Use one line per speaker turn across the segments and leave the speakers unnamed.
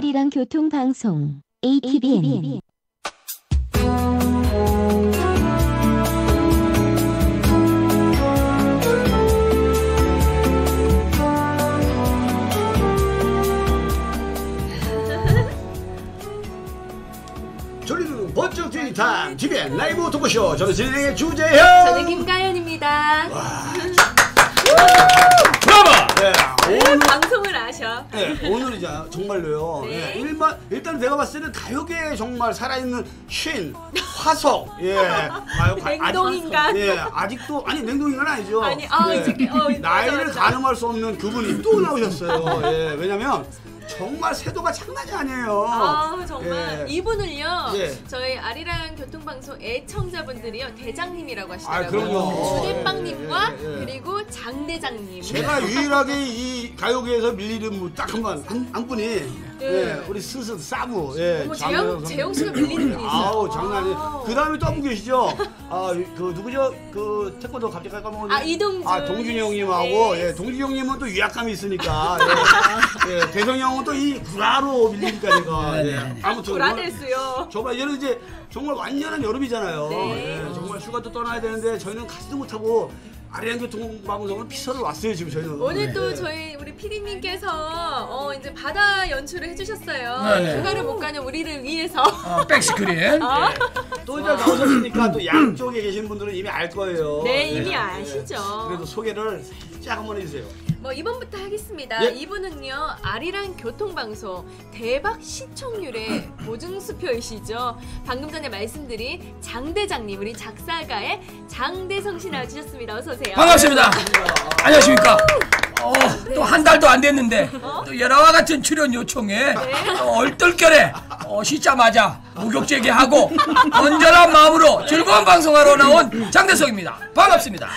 아리랑 교통방송 ATBN
졸리는 번쩍 뛰는 타임 TVN 라이브 토크쇼. 저는 진행의 주재현.
저는 김가연입니다.
브라보! 네,
오늘 방송을 아셔.
네, 오늘은 정말로요.
네.
네, 일단 내가 봤을 때는 가요계에 정말 살아있는 신, 화석. 예.
냉동인간.
예, 아직도, 아니, 냉동인간 아니죠.
아니,
네. 나이를
맞아.
가늠할 수 없는 그분이 또 나오셨어요. 예, 왜냐면, 정말 세도가 장난이 아니에요.
아 정말
예.
이분을요.
예.
저희 아리랑 교통방송 애청자분들이요 대장님이라고 하시더라고요.
아, 그럼요.
주대빵님과
예, 예.
그리고 장대장님.
제가 유일하게 이 가요계에서 밀리는 딱 한 분이 예, 우리 스스 사부. 예,
어머, 재영 씨가 밀리는 분이 있어요.
아우 장난이. 그 다음에 또 한 분 계시죠. 그 누구죠? 그 태권도 갑자기 까먹었는데.
이동준.
동준이 형님하고. 예, 동준이 형님은 또 위압감이 있으니까. 예, 예, 대성이 형은 또 이 구라로 밀리니까 제가. 예, 아무튼
구라됐어요.
정말 얘는 이제 정말 완전한 여름이잖아요.
네.
예, 정말 휴가도 떠나야 되는데 저희는 가지도 못하고. 아리랑 교통방송은 피서를 왔어요 지금 저희는.
오늘 또 저희 우리 피디님께서 이제 바다 연출을 해주셨어요.
네.
휴가를 못 가는 우리를 위해서.
백스크린.
또 이제 나오셨으니까 또 양쪽에 계신 분들은 이미 알 거예요.
네, 이미 아시죠.
그래도 소개를 살짝 한번 해주세요.
뭐 이번부터 하겠습니다.
예.
이분은요 아리랑 교통방송 대박 시청률의 보증수표이시죠. 방금 전에 말씀드린 장대장님, 우리 작사가의 장대성 씨 나와주셨습니다. 어서 오세요.
반갑습니다. 안녕하십니까. 또 한 달도 안 됐는데 또 여러와 같은 출연 요청에 얼떨결에 쉬자마자 무격제기하고 건전한 마음으로 즐거운 방송하러 나온 장대성입니다. 반갑습니다.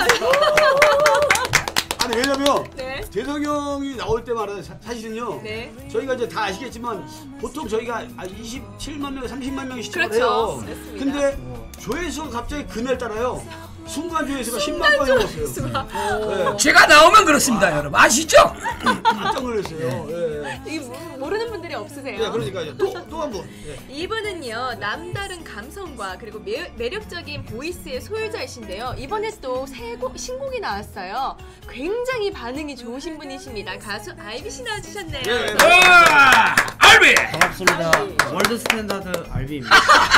아니 왜냐면
네.
대성이 형이 나올 때마다 사실은요.
네.
저희가 이제 다 아시겠지만 보통 저희가 27만 명, 30만 명이 시청을
그렇죠.
해요.
맞습니다.
근데 조회수가 갑자기 그날 따라요. 순간 조회수가 10만 건이 넘었어요. 네.
제가 나오면 그렇습니다, 여러분. 아시죠?
깜짝 놀랐어요. 예.
이 모르는 분들이 없으세요.
네, 그러니까요. 또 한 분. 예.
이분은요 남다른 감성과 그리고 매력적인 보이스의 소유자이신데요. 이번에 또 신곡이 나왔어요. 굉장히 반응이 좋으신 분이십니다. 가수 알비 씨 나와주셨네요.
예.
알비!
반갑습니다. 월드 스탠다드 알비입니다.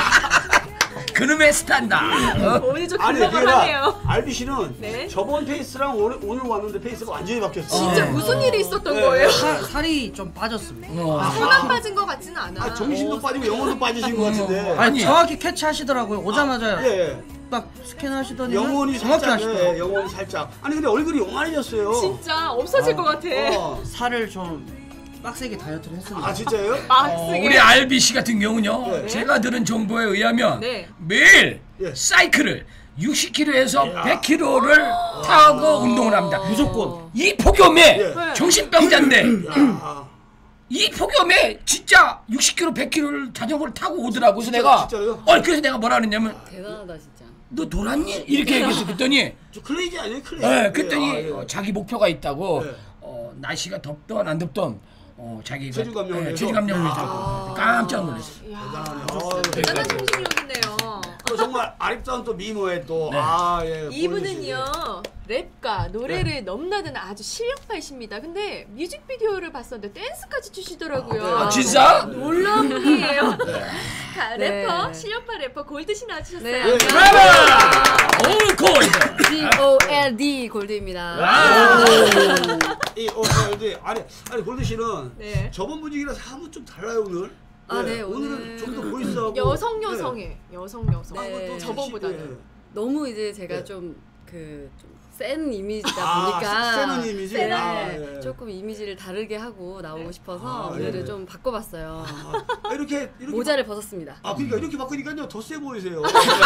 그놈의 스탄다.
오늘 좀
아니
긴장하네요.
알비 씨는
네.
저번 페이스랑 오늘 왔는데 페이스가 완전히 바뀌었어요.
진짜 무슨 일이 있었던 거예요?
살이 좀 빠졌습니다.
살만 빠진 것 같지는 않아.
정신도 빠지고 영혼도 빠지신 것 같은데.
아니 정확히 캐치하시더라고요. 오자마자
예.
딱 스캔하시더니
영혼이
정확히
살짝.
하시더라고요.
예, 영혼이 살짝. 아니 근데 얼굴이 요만해졌어요.
진짜 없어질 것 같아.
살을 좀 빡세게 다이어트를 했습니다.
아 진짜요?
우리 알비 씨 같은 경우는요.
네.
제가 들은 정보에 의하면
네.
매일
예.
사이클을 60km에서 100km를 타고 운동을 합니다.
무조건.
이 폭염에
예.
정신병자인데
야.
이 폭염에 진짜 60km, 100km를 자전거를 타고 오더라고. 그래서 내가
진짜요?
그래서 내가 뭐라 그랬냐면
대단하다 진짜.
너 돌았니? 이렇게 얘기해서 그랬더니
저 클레이지 아니에요? 클레이지.
그랬더니
예.
자기 목표가 있다고
예.
날씨가 덥던 안 덥던 자기가
체중 감량을 해서?
체중 감량을 했다고 깜짝 놀랐어요.
대단한 정신력이네요.
또 정말 아립다운 또 미모에 또
네.
예.
이분은요 랩과 노래를 넘나드는 아주 실력파이십니다. 근데 뮤직비디오를 봤었는데 댄스까지 추시더라고요.
아, 진짜?
놀라운 분이에요.
네.
래퍼 실력파 래퍼 골드씨 나와주셨어요.
네.
예.
브라보! 올 골드!
G-O-L-D 골드입니다.
이 아니 골드 씨는
네.
저번 분위기랑 사뭇 좀 달라요 오늘.
아, 네,
오늘은
오늘
좀 더 보이스하고
여성해. 여성.
네.
저번보다는.
너무 이제 제가
네.
좀 센 이미지다 보니까
세는 이미지.
네,
예.
조금 이미지를 다르게 하고 나오고 싶어서 오늘은
예.
좀 바꿔봤어요.
이렇게
모자를 벗었습니다.
그러니까 이렇게 바꾸니까요 더 세 보이세요.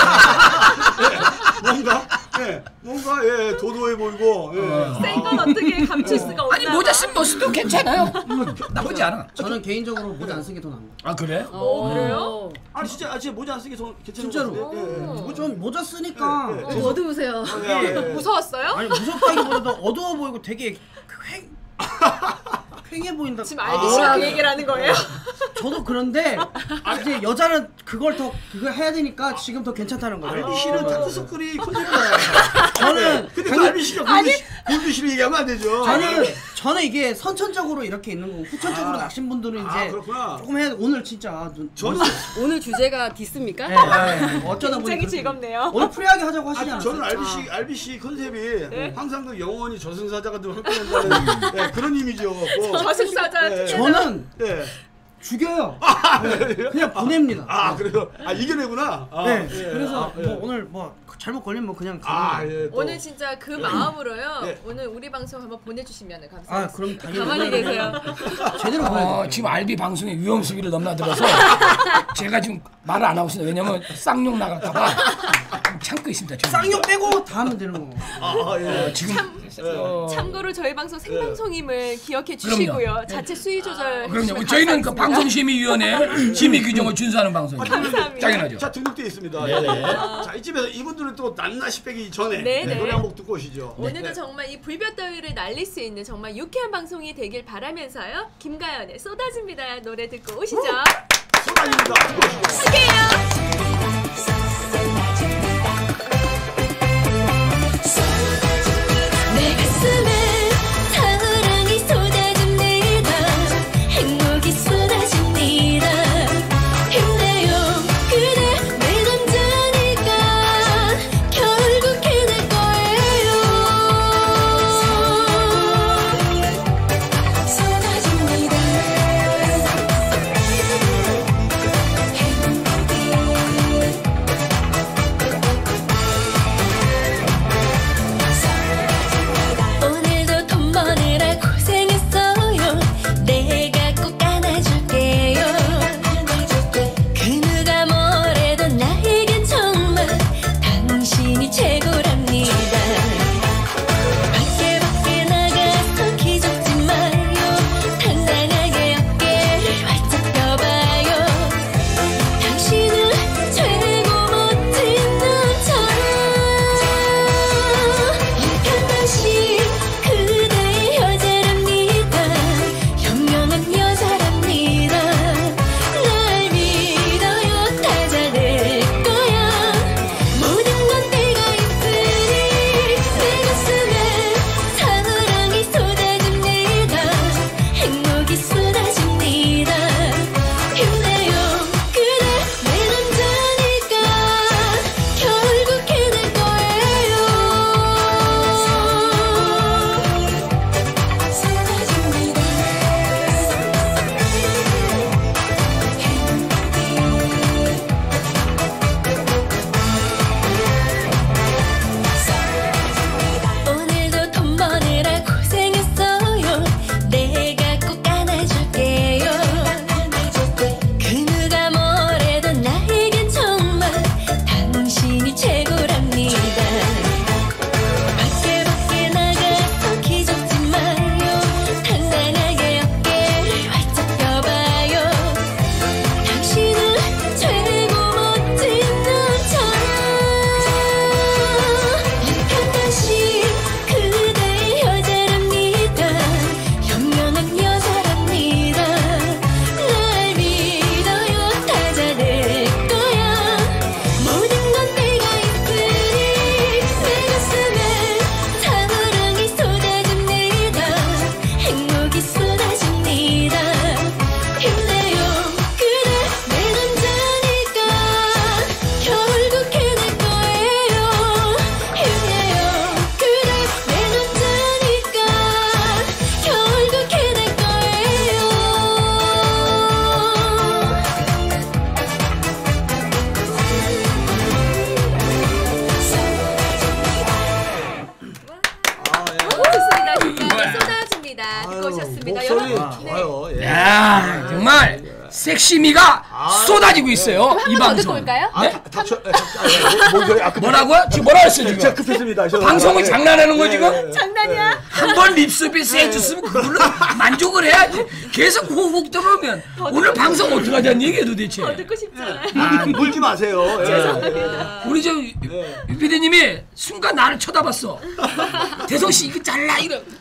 뭔가 도도해 보이고.
센 건 어떻게 감출 수가 없나.
아니 모자 쓴 모습도 괜찮아요. 나쁘지 않아.
저는 개인적으로 모자 안 쓴 게 더 나은 것 같아요.
아 그래?
그래요?
아니 진짜 모자 안 쓰기 괜찮은
진짜로.
것 같은데.
좀 모자 쓰니까
예, 예.
좀 어두우세요.
무서웠어요?
아니 무섭다기보다도 어두워 보이고 되게 팽해 보인다.
지금 알비 씨가 그 얘기를 하는 거예요?
저도 그런데 이제 여자는 그걸 해야 되니까 지금 더 괜찮다는 거예요.
알비 씨는 다크서클이 컨셉이잖아요.
저는
근데 그 알비 씨가 골드씨를 얘기하면 안 되죠.
저는 이게 선천적으로 이렇게 있는 거고 후천적으로 낚신 분들은 이제
그렇구나.
조금 해야 돼. 오늘 진짜
저는
오늘 주제가 디스입니까?
네, 어쩌다 보니
굉장히 즐겁네요.
오늘 프리하게 하자고 하시지 않았어요?
저는 알비 씨 컨셉이 항상 그 영원히 저승사자가 늘 함께 된다는 네, 그런 이미지여갖고.
저승사자.
네.
저는
네.
죽여요. 네, 그냥 보냅니다.
그래요? 이겨내구나.
네.
예.
그래서
예.
뭐 오늘 뭐 잘못 걸리면 뭐 그냥 가는
예, 또.
오늘 진짜 그 마음으로요.
네.
오늘 우리 방송 한번 보내주시면 감사하겠습니다.
그럼 당연히
가만히 계세요.
제대로 보내요.
지금 알비 방송에 위험 수위를 넘나들어서 제가 지금 말을 안 하고 있습니다. 왜냐면 쌍욕 나갈까봐 참고 있습니다. 지금.
쌍욕 빼고 다 하면 되는 거.
예.
지금
참고로 저희 방송 생방송임을 기억해 주시고요. 자체 수위 조절.
그럼요. 저희는 그 방송심의위원회 심의 규정을 준수하는 방송입니다.
감사합니다.
당연하죠.
자, 등록되어 있습니다. 자, 이쯤에서 이분들은 또 낱낱이 빼기 전에
네네.
노래 한 곡 듣고 오시죠.
오늘도
네.
정말 이 불볕더위를 날릴 수 있는 정말 유쾌한 방송이 되길 바라면서요. 김가연의 쏟아집니다 노래 듣고 오시죠.
소감입니다. 듣고 오시죠.
할게요.
내 가슴에 사랑이 쏟아집니다. 행복이 쏟아집니다. 힘내요 그대 내 남자니까 결국 해낼 거예요. 쏟아집니다. 오늘도 돈 버느라 고생했어요. 내가 꼭 안아줄게요. 그 누가 뭐래도 나에겐 정말 당신이 최고랍니다. 밖에 나가서 기죽지 마요. 당당하게 어깨를 활짝 펴봐요. 당신은 최고 멋진 남자. 약한 당신 그대의 여자랍니다. 현명한 여자랍니다. 날 믿어요 다 잘될 거야. 모든 건 내가 있으니 내 가슴에 사랑이 쏟아집니다. 행복이 쏟아집니다. 힘내요 그대 내 남자니까 결국 해낼 거예요. 쏟아집니다. 오늘도 돈 버느라 고생했어요. 내가 꼭 안아줄게요. 그 누가 뭐래도 나에겐 정말 당신이 최고랍니다. 밖에 나가서 기죽지 마요. 당당하게 어깨를 활짝 펴봐요. 당신은 최고 멋진 남자. 약한 당신 그대의 여자랍니다. 현명한 여자랍니다. 날 믿어요 다 잘될 거야. 모든 건 내가 있으니 내 가슴에 사랑이 쏟아집니다. 행복이 쏟아집니다. 힘내요 그대 내 남자니까 결국 해낼 거예요. 힘내요 그대 내 남자니까 결국 해낼 거예요.
좋습니다. 김가연 쏟아집니다. 듣고 오셨습니다.
목소리
여러분.
좋아요. 예.
야 정말 섹시미가 쏟아지고 있어요. 이
한번 더 듣고
방송.
올까요?
네?
뭔 소리?
뭐라고요? 지금 뭐라 했어 지금?
제가 급했습니다.
방송을 장난하는 거 지금?
장난이야?
한 번 립서비스 해줬으면 그걸로 만족을 해야지. 계속 호흡 들어오면 오늘 방송 어떻게 하자는 얘기야 도대체.
듣고 싶잖아요.
물지 마세요.
우리 저 유피디님이 순간 나를 쳐다봤어. 대성 씨 이거 잘라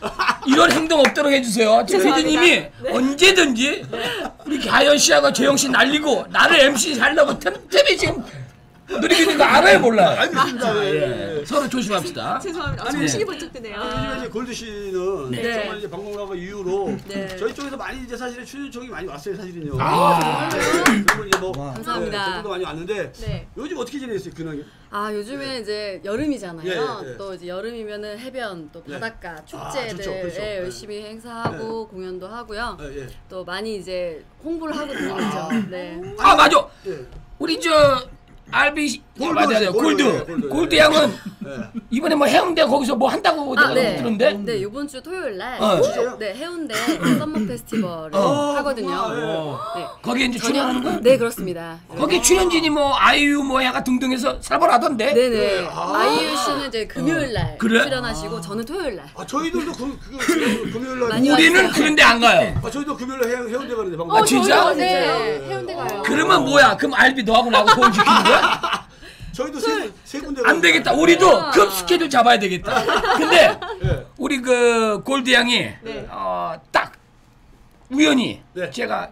이런 행동 없도록 해주세요. 피디님이 언제든지 우리 가연 씨하고 재영 씨 날리고 나를 MC 하려고 틈틈이 지금 누리고 있는 거 알아요 몰라요?
알겠습니다.
서로 조심합시다.
죄송합니다. 정신이 번쩍 드네요.
요즘에 이제 골드 씨는
네.
정말 이제 방송나가 이후로
네.
저희 쪽에서 많이 이제 사실은 출연 청이 많이 왔어요 사실은요. 그리고 이제 뭐
감사합니다.
댓글도 많이 왔는데
네.
요즘 어떻게 지내셨어요 근황이?
아 요즘에 이제 여름이잖아요.
예, 예.
또 이제 여름이면은 해변 또 바닷가 축제들
좋죠, 그렇죠.
예, 열심히 행사하고 공연도 하고요.
예.
또 많이 이제 홍보를 하고 다니죠. 네.
아 맞아.
예.
우리 저 알비 맞아요. 골드 양은 이번에 뭐 해운대 거기서 뭐 한다고 내가
네.
들었는데.
네, 이번 주 토요일 날
진짜요?
네, 해운대 썸머 페스티벌을 하거든요. 네.
거기에 이제 출연하는 거야?
네, 그렇습니다.
거기 출연진이 뭐 아이유 뭐 해가 등등해서 살벌하던데.
네네. 아이유 씨는 이제 금요일 날
그래?
출연하시고 저는 토요일 날.
아 저희들도 금요일 날
많이
우리는
왔어요.
그런데 안 가요.
아 저희도 금요일 날 해운대 가는데 방금.
아, 진짜?
네. 해운대 가요.
그러면 뭐야? 그럼 알비 너하고 나하고 돈 지키는 거야?
저희도 세 군데
안 되겠다. 우리도 급 스케줄 잡아야 되겠다. 근데
예.
우리 그 골드 양이 딱 우연히
네.
제가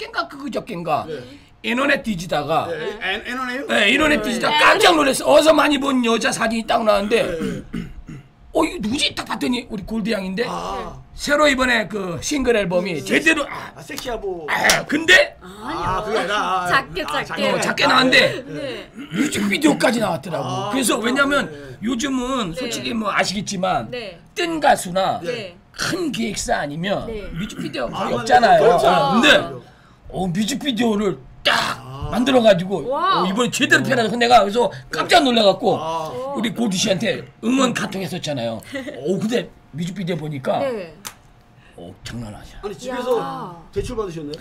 그저껜가
네.
인터넷 뒤지다가
애너네요?
네, 인터넷 뒤지다가 깜짝 놀랐어. 어디서 많이 본 여자 사진이 딱 나왔는데 이거 누구지? 딱 봤더니 우리 골드 양인데 새로 이번에 그 싱글 앨범이 제대로
섹시하고.
근데
그게 아니라
작게.
작게 나왔는데
네.
뮤직비디오까지 나왔더라고. 그래서 왜냐면 요즘은 솔직히 뭐 아시겠지만
네.
뜬 가수나
네.
큰 기획사 아니면
네.
뮤직비디오 거의
맞아요.
없잖아요.
그렇죠.
근데 뮤직비디오를 딱 만들어가지고
와우.
이번에 제대로 편하게 내가 그래서 깜짝 놀라갖고 우리 골드 씨한테 응원 카톡 했었잖아요. 근데 뮤직비디오 보니까
네.
장난 아니야.
아니 집에서 대출 받으셨나요?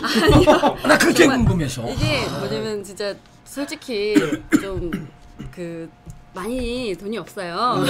나 그게 궁금해서.
이게 뭐냐면 진짜 솔직히 좀 그 많이 돈이 없어요.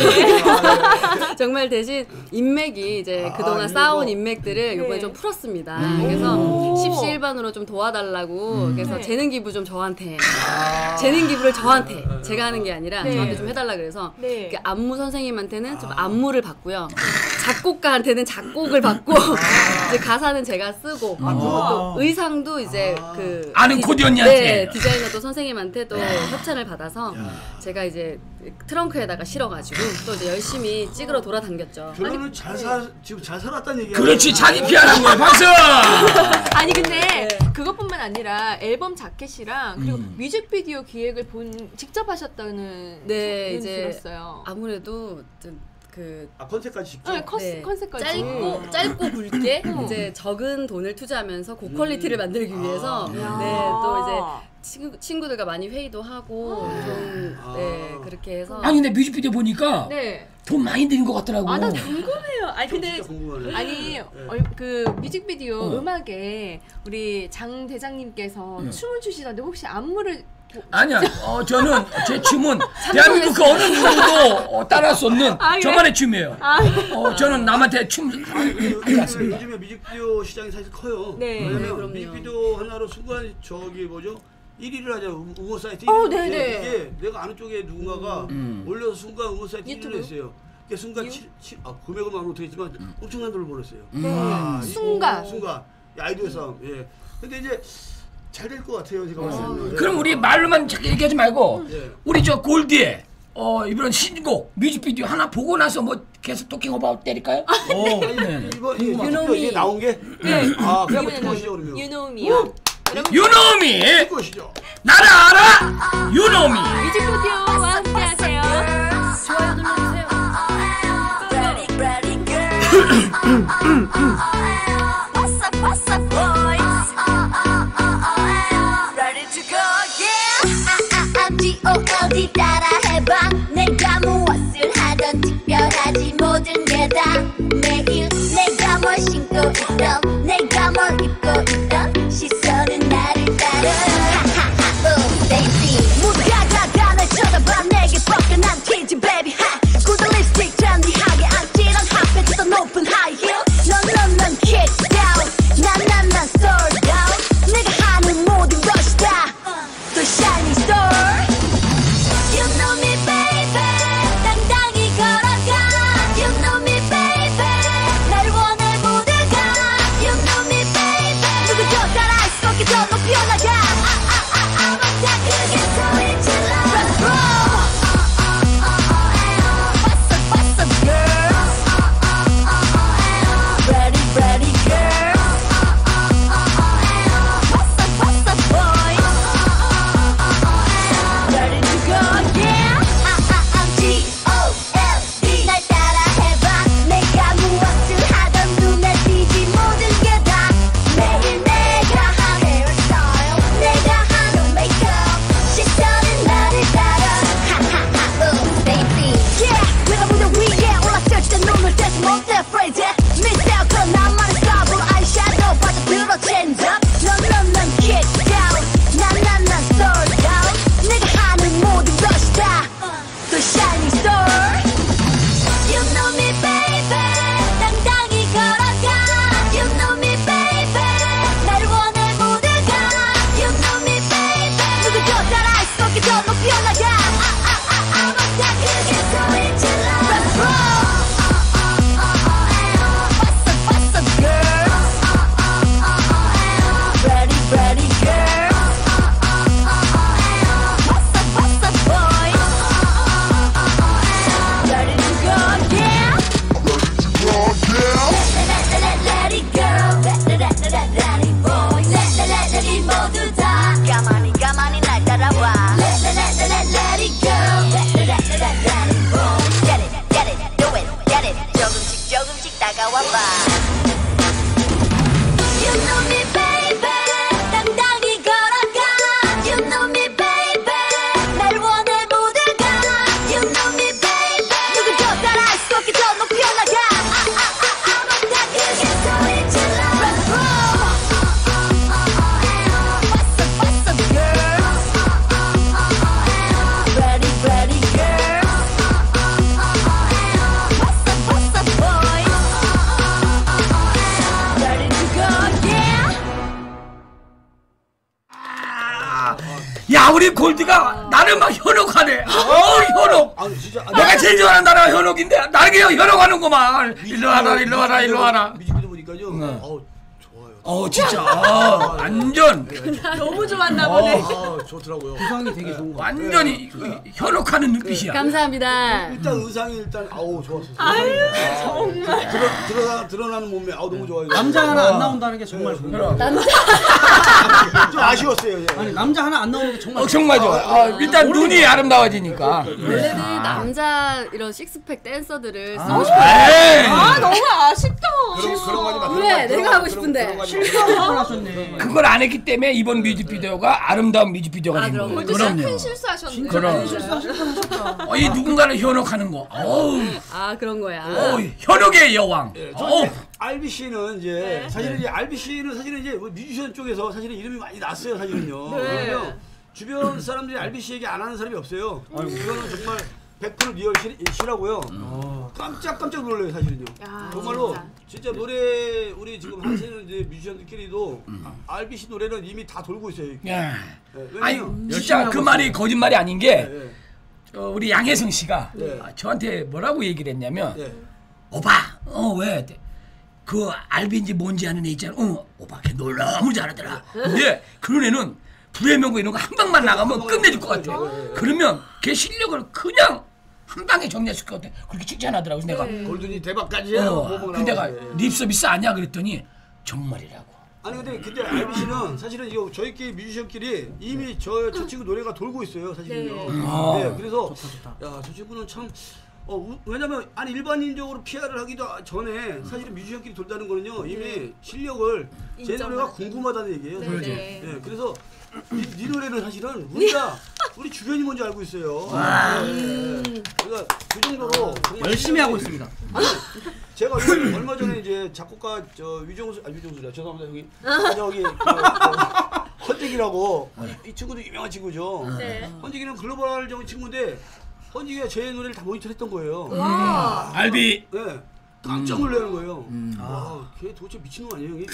정말 대신 인맥이 이제 그동안 쌓아온 인맥들을 이번에 좀 풀었습니다. 그래서 십시일반으로 좀 도와달라고 그래서 재능 기부 좀 저한테 재능 기부를 저한테 제가 하는 게 아니라 저한테 좀 해달라 그래서
네.
그 안무 선생님한테는 좀 안무를 받고요. 작곡가한테는 작곡을 받고 이제 가사는 제가 쓰고 또 의상도 이제 그
아는 코디 언니한테.
네, 디자이너 또 선생님한테 또 협찬을 받아서 제가 이제 트렁크에다가 실어가지고 또 이제 열심히 찍으러 돌아다녔죠.
결론은 지금 잘 살았다는 얘기야.
그렇지, 자기 피하는 거야. 박수!
아니 근데 그것뿐만 아니라 앨범 자켓이랑 그리고 뮤직비디오 기획을 직접 하셨다는
네,
소문이
이제
들었어요.
아무래도 좀 그
컨셉까지 직접.
네,
네,
컨셉까지
짧고 굵게 이제 적은 돈을 투자하면서 고퀄리티를 만들기 위해서 네, 또 이제 친구들과 많이 회의도 하고 좀 네, 그렇게 해서
아니 근데 뮤직비디오 보니까
네.
돈 많이 들인 것 같더라고.
나 궁금해요. 아니 근데
진짜 궁금하네.
아니 그 뮤직비디오 음악에 우리 장 대장님께서 춤을 추시던데 혹시 안무를
아니야. 저는 제 춤은 대한민국 그 어느 누구도 따라할 수 없는
그래?
저만의 춤이에요. 저는 남한테 춤 해봤습니다.
요즘에 뮤직비디오 시장이 사실 커요.
네.
왜냐면
네, 그럼요.
뮤직비디오 하나로 순간 뭐죠? 1위를 하자 응원 사이트 1위를
네네.
이게 내가 아는 쪽에 누군가가 올려서 순간 응원 사이트 1위를 했어요. 그게 순간 금액은 말은 못하겠지만 엄청난 돈을 벌었어요. 순간 아이디어 싸움. 예. 근데 이제 잘 될 것 같아요 제가 봤을 때는.
그럼 우리 말로만 자꾸 얘기하지 말고 우리 저 골디에 이번 신곡 뮤직비디오 하나 보고 나서 뭐 계속 토킹 오바웃 때릴까요?
이번 이게 나온 게 그냥 한번 듣고 오시죠 그러면.
유노미요.
유노미
듣고 오시죠.
나를 알아 유노미.
뮤직비디오와 함께하세요.
좋아요 눌러주세요.
What's up, boys? Ready to go, yeah! G.O.O.D 따라해봐. 내가 무엇을 하던 특별하지 모든 게 다 매일 내가 뭘 신고 있던 내가 뭘 입고 있던 시선은 나를 따라 shining star. You know me, baby. 당당히 걸어가. You know me, baby. 날 원해 모두가. You know me, baby. 누구도 따라할 수 없게 더 높이 올라가. 아무다 그게 소리 질러. What's up, girl? Ready, ready, girl. What's up, boy? Ready to go, yeah. Let it go. Let it boy. Let it 모두 다 가만히 날 따라와. Let it go. Let it boy. Get it, do it, get it. 조금씩 다가와 봐. You know me, baby. 당당히 걸어가. You know me, baby. 날 원해 모두가. You know me, baby. 누구도 따라할 수 없게 더 높이 올라가. 아무다 그게 소리 질러. What's up, girl? Ready, ready, girl. What's up, boy? Ready to go, yeah.
야 우리 골드가 나를 막 현혹하네. 현혹.
아 진짜.
내가 제일 좋아하는 나라가 현혹인데 나를 그냥 현혹하는구만. 일로 와라 일로 와라 일로 와라.
뮤직비디오 보니까요. 좋아요.
진짜 완전
너무 좋았나 보네.
좋더라고요.
구성이 되게 좋은 거 같아요.
완전히 현혹하는 눈빛이야.
감사합니다.
일단 의상이 일단 좋았어요.
아유 정말.
드러나는 몸매 너무 좋아요.
남자 하나 안 나온다는 게 정말 좋은 거 같아요.
좀 아쉬웠어요. 예.
아니 남자 하나 안 나오는 게 정말
정말 좋아. 일단 눈이 아름다워지니까.
원래는 남자 이런 식스팩 댄서들을 쓰고 싶어.
에이.
너무 아쉽다.
그런 거 하지 마.
그래, 내가 하고 싶은데.
실수하고 하셨네.
그걸 안 했기 때문에 이번 뮤직비디오가 아름다운 뮤직비디오가 된 거예요.
골드 씨가
그럼요.
큰 실수하셨네.
그럼. 이 누군가를 현혹하는 거.
그런 거야.
현혹의 여왕.
RBC는 이제 사실은 이제 RBC는 사실은 이제 뮤지션 쪽에서 사실은 이름이 많이 났어요 사실은요. 왜냐면 주변 사람들이 RBC 얘기 안 하는 사람이 없어요. 이거는 정말 100% 리얼 시라고요. 깜짝 놀래요 사실은요. 정말로 진짜 노래 우리 지금 하시는 이제 뮤지션들끼리도 RBC 노래는 이미 다 돌고 있어요.
야. 아니
왜냐면
진짜 그 말이 거짓말이 아닌 게
예.
우리 양혜성 씨가
네.
저한테 뭐라고 얘기를 했냐면
예.
오빠 왜 그 알비인지 뭔지 아는 애 있잖아. 오빠 걔 너무 잘하더라. 근데 그런 애는 불의 명곡 이런 거 한 방만 나가면 끝내줄 것 같아. 그러면 걔 실력을 그냥 한 방에 정리했을 것 같아. 그렇게 칭찬하더라고. 내가
골든이 대박까지 해요.
근데 내가 립 서비스 아니야 그랬더니 정말이라고.
아니 근데 RBC는 사실은 이거 저희끼리 뮤지션끼리 이미 저 친구 노래가 돌고 있어요 사실은요. 네, 그래서 야 저 친구는 참 왜냐면 아니 일반인적으로 PR을 하기도 전에 사실은 뮤지션끼리 돌다는 거는요 이미 실력을 제 노래가 궁금하다는 얘기예요.
네.
네, 그래서 네 노래는 사실은 우리 주변이 뭔지 알고 있어요. 그러니까 그 정도로 정말
열심히 하고 있습니다.
아니, 제가 얼마 전에 이제 작곡가 위정수라 죄송합니다 형님. 저기 헌직이라고 이 친구도 유명한 친구죠. 헌직이는 글로벌적인 친구인데 헌직이가 제 노래를 다 모니터했던 거예요.
알비.
네. 깜짝 놀라는 거예요. 걔 도대체 미친놈 아니에요 형이?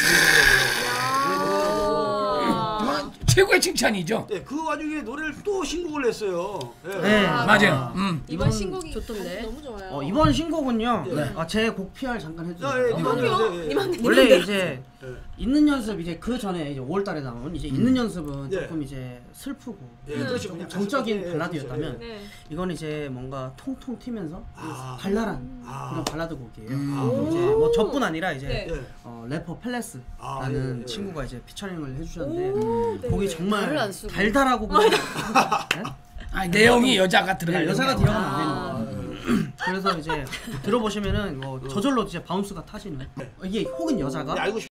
최고의 칭찬이죠.
네, 그 와중에 노래를 또 신곡을 냈어요.
네.
맞아요.
이번 신곡이
좋던데.
너무 좋아요.
이번 신곡은요.
네.
제 곡 PR 잠깐
예,
해주세요.
이만요.
원래 이제 있는 연습 이제 그 전에 이제 5월달에 나온 이제 있는 연습은
네.
조금 이제 슬프고
그렇죠.
조금 정적인
네,
발라드였다면
네.
이건 이제 뭔가 통통 튀면서 발랄한 그런 발라드 곡이에요.
오.
이제 뭐 저뿐 아니라 이제
네.
래퍼 펠레스라는
예.
친구가 이제 피처링을 해주셨는데
네.
곡이 정말
말을 안 쓰고.
달달하고 그냥
내용이 여자가 들어갈
여자가
거야.
들어가면 안 되는 거예요. 그래서 이제 들어보시면은 저절로 이제 바운스가 타시는 이게 혹은 여자가
알고